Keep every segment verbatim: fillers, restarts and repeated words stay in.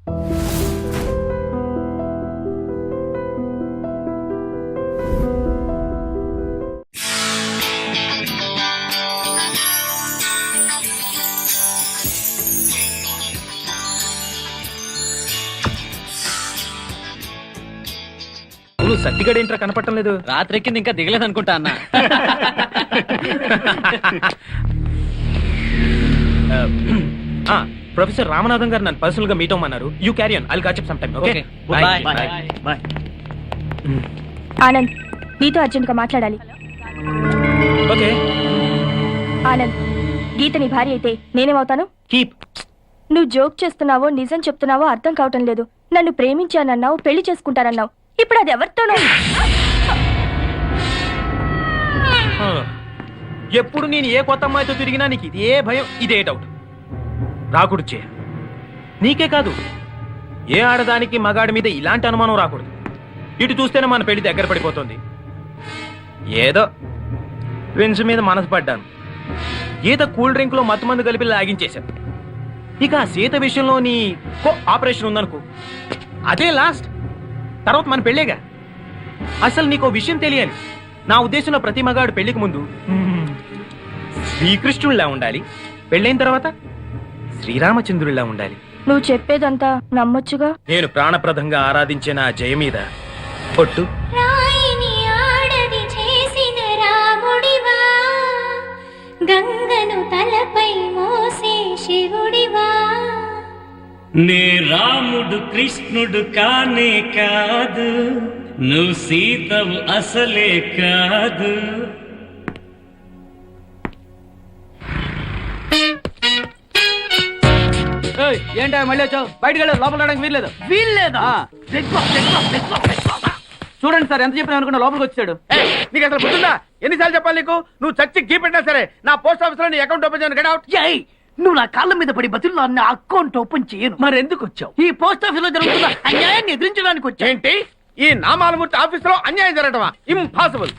సర్టిగడ్ ఏంట్రా కనపడటం లేదు? రాత్రెక్కింది ఇంకా దిగలేదు అనుకుంటా అన్న. ప్రొఫెసర్ రామనాథన్ గారు నన్ను పర్సనల్ గా మీట్ అవ్వమన్నారు. You carry on, I'll catch up some time. Okay bye bye bye. Anand, నీతో అర్జెంట్ గా మాట్లాడాలి. ఓకే ఆనంద్, గీత నీ భార్య అయితే నేనేమవుతాను? కీప్. నువ్వు జోక్ చేస్తున్నావో నిజం చెప్తున్నావో అర్థం కావటం లేదు. నన్ను ప్రేమించానన్నావు, పెళ్లి చేసుకుంటానన్నావు. ఇప్పుడు అది ఎవరితోనో. ఎప్పుడు నేను ఏ కొత్త అమ్మాయితో తిరిగినా నీకు ఇదే భయం, ఇదే డౌట్. రాకూడదు చే. నీకే కాదు, ఏ ఆడదానికి మగాడి మీద ఇలాంటి అనుమానం రాకూడదు. ఇటు చూస్తేనే మన పెళ్లి దగ్గర పడిపోతుంది. ఏదో ఫ్రెండ్స్ మీద మనసు పడ్డాను. గీత కూల్ డ్రింక్ లో మత్తు మందు కలిపి లాగించేశాను. ఇక ఆ సీత విషయంలో నీ ఆపరేషన్ ఉందనుకో, అదే లాస్ట్. తర్వాత మన పెళ్ళేగా. అసలు నీకు విషయం తెలియాలి. నా ఉద్దేశంలో ప్రతి మగాడు పెళ్లికి ముందు శ్రీకృష్ణుడిలా ఉండాలి, పెళ్ళైన తర్వాత శ్రీరామచంద్రుడిలా ఉండాలి. నువ్వు చెప్పేదంతా నమ్మొచ్చుగా. నేను ప్రాణప్రదంగా ఆరాధించే నా జయ మీద పొట్టు. గంగను తలపై మోసే శివుడివా. నే రాముడు కృష్ణుడు కానే కాదు, నువ్వు సీతవు అసలే కాదు. ఏంటా మళ్ళీ వచ్చావు? బయటకు వెళ్ళదు, లోపల రావడానికి వీల్లేదు. వీల్లేదా? చూడండి సార్, ఎంత చెప్పినా అనుకున్నా లోపలికి వచ్చాడు. నీకు అసలు గుర్తుందా? ఎన్నిసార్లు చెప్పాలి నీకు? నువ్వు చచ్చి గీ పెట్టినా సరే నా పోస్ట్ ఆఫీస్ లో నీ అకౌంట్ ఓపెన్ చేయను. Get out. నువ్వు నా కాళ్ళ మీద పడి బతుల్లో నా అకౌంట్ ఓపెన్ చేయను. మరి ఎందుకు వచ్చావు? ఈ పోస్ట్ ఆఫీస్ లో జరుగుతున్న అన్యాయాన్ని ఎదిరించడానికి వచ్చా. ఏంటి? ఈ నామాలమూర్తి ఆఫీస్ లో అన్యాయం జరగటమా? ఇంపాసిబుల్.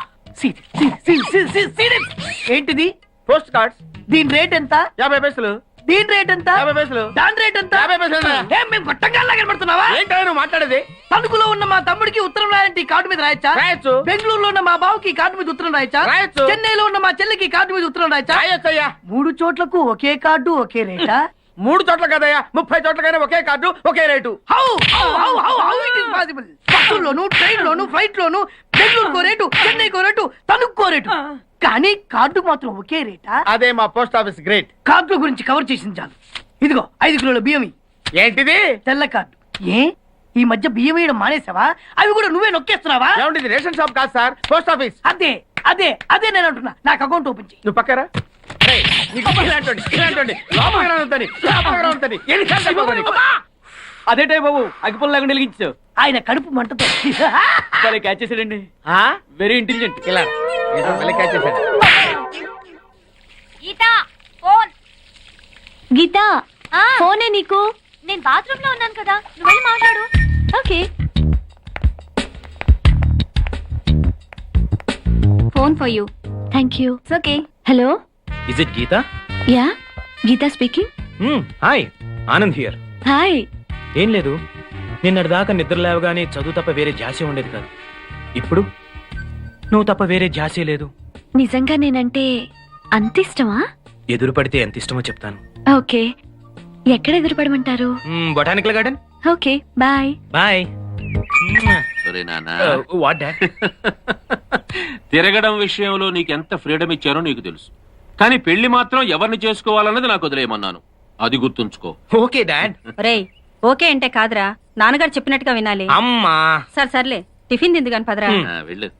ఏంటిది? Post cards. దీని రేట్ ఎంత? యాభై పైసలు. దీని రేట్ ఎంత? యాభై పైసలు. దాని రేట్ ఎంత? యాభై పైసలు. ఏం మేము గొట్టంగా కనబడుతున్నావా? ఏంటో నువ్వు మాట్లాడేది? తణుకులో ఉన్న మా తమ్ముడికి ఉత్తరం రాయంటే కార్డు మీద రాయచ్చా? రాయొచ్చు. బెంగళూరులో ఉన్న మా బావుకి కార్డు మీద ఉత్తరం రాయచ్చా? రాయొచ్చు. చెన్నైలో ఉన్న మా చెల్లికి కార్డు మీద ఉత్తరం రాయచ్చా? రాయొచ్చయ్యా. మూడు చోట్లకు ఒకే కార్డు ఒకే రేటా? మూడు చోట్ల కదయ్యా, ముప్పై చోట్లకైనా ఒకే కార్డు ఒకే rate. How how how how how it is possible? బస్సుల్లోను, ట్రైన్ లోను, ఫ్లైట్ లోను బెంగళూరుకో రేటు, చెన్నైకో రేటు, తణుక్కో రేటు, కానీ కార్డు మాత్రం ఒకే రేటా? అదే మా పోస్ట్ ఆఫీస్ గ్రేట్. కార్డు గురించి కవర్ చేసింది చాలు. ఇదిగో ఐదు కిలోల బియ్యం. ఏంటిది? తెల్ల కార్డు. ఏ ఈ మధ్య బియ్యం వేయడం మానేసావా? అవి కూడా నువ్వే నొక్కేస్తున్నావా? ఏమిటి? రేషన్ షాప్ కాదు సార్, పోస్ట్ ఆఫీస్. అదే అదే అదే నేను అంటున్నా. నాకు అకౌంట్ ఓపెన్ చేయి. నువ్వు పక్కరా. అదే టైం బాబు, అగ్గిపుల్ల లేకుండా వెలిగించావు. ఆయన కడుపు మంటతో క్యాచ్ చేసాడండి. Very intelligent. ఇలా క్యాచ్ చేశాడు. గీత, ఫోనే నీకు. నేను బాత్రూమ్ లో ఉన్నాను కదా, నువ్వు వెళ్ళి మాట్లాడు. Okay. Phone for you. Thank you. Okay. Hello, is it Geeta? Yeah, Geeta speaking. Hi, Anand here. Hi. ఏం లేదు, నిన్నటి దాకా నిద్ర లేవగానే చదువు తప్ప వేరే ధ్యాసే ఉండేది కాదు. ఇప్పుడు నువ్వు తప్ప వేరే ధ్యాసే లేదు. నిజంగా నేనంటే అంత ఇష్టమా? ఎదురు పడితే ఎంత ఇష్టమో చెప్తాను. ఓకే, ఎక్కడ ఎదురుపడమంటారు? Botanical garden. Okay, bye. Bye. What dad? తిరగడం విషయంలో నీకెంత ఫ్రీడమ్ ఇచ్చారో నీకు తెలుసు, కానీ పెళ్లి మాత్రం ఎవరిని చేసుకోవాలన్నది నాకు వదిలేయమన్నాను. అది గుర్తుంచుకో. Okay dad. రేయ్, ఓకే అంటే కాదురా, నాన్నగారు చెప్పినట్టుగా వినాలి. అమ్మా సరే సర్లే, టిఫిన్ తింది కాని పదరా. వెళ్ళు.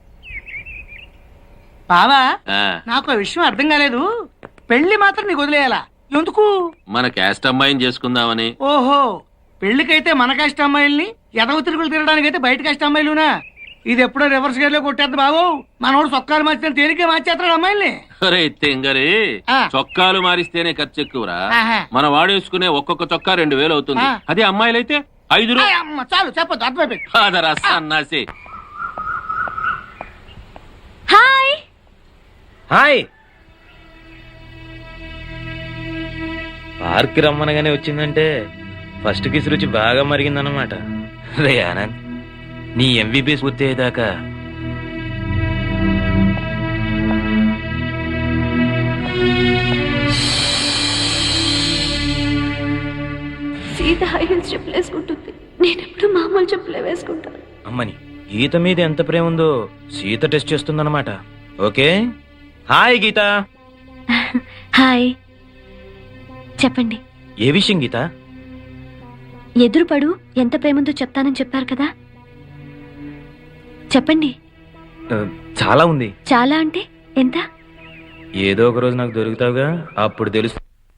బావా, నాకు ఆ విషయం అర్థం కాలేదు. పెళ్లి మాత్రం నీకు వదిలేయాలా? ఎందుకు? మన క్యాస్ట్ అమ్మాయిని చేసుకుందామని. ఓహో, పెళ్లికైతే మన కాస్ట్ అమ్మాయిల్ని, ఎదవ తిరుగులు తిరగడానికైతే బయట కాస్ట్ అమ్మాయిలునా? ఇది ఎప్పుడో రివర్స్ గేర్ లో కొట్టేద్దు బాబు. మనోడు చొక్కాలు మార్చిన తేలికే మార్చేస్తాడు అమ్మాయిల్ని. తెంగరే, చొక్కాలు మారిస్తేనే ఖర్చు ఎక్కువరా. మన వాడేసుకునే ఒక్కొక్క చొక్కా రెండు వేలు అవుతుంది. అదే అమ్మాయిలైతే ఐదు. చాలు చెప్పొద్దు, అర్థమైపోయింది. సన్నాసి. హాయ్. హాయ్. పార్క్ రమ్మనగానే వచ్చిందంటే ఫస్ట్ కిస్ రుచి బాగా మరిగిందన్నమాట. రే ఆనంద్, నీ ఎంబీబీఎస్ పూర్తి అయ్యేదాకా సీత హై హీల్స్ చెప్పులు వేసుకుంటుంది, నేను ఎప్పుడు మామూలు చెప్పులే వేసుకుంటాను. అమ్మని గీత మీద ఎంత ప్రేమ ఉందో సీత టెస్ట్ చేస్తుందన్నమాట. Okay, hi Geeta. హాయ్, చెప్పండి. ఏ విషయం గీత? ఎదురుపడు ఎంత ప్రేమంతో చెప్తానని చెప్పారు కదా, చెప్పండి. ఆ, చాలా ఉంది. చాలా అంటే ఎంత? ఏదో ఒక రోజు నాకు దొరుకుతావుగా, అప్పుడు తెలుసు.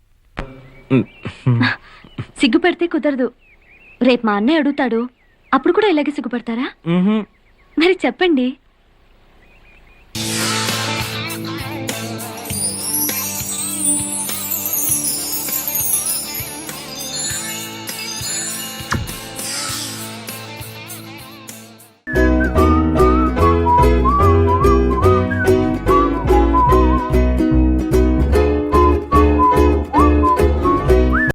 సిగ్గుపడితే కుదరదు. రేపు మా అన్నయ్య అడుగుతాడు, అప్పుడు కూడా ఇలాగే సిగ్గుపడతారా? మ్హూ. మరి చెప్పండి.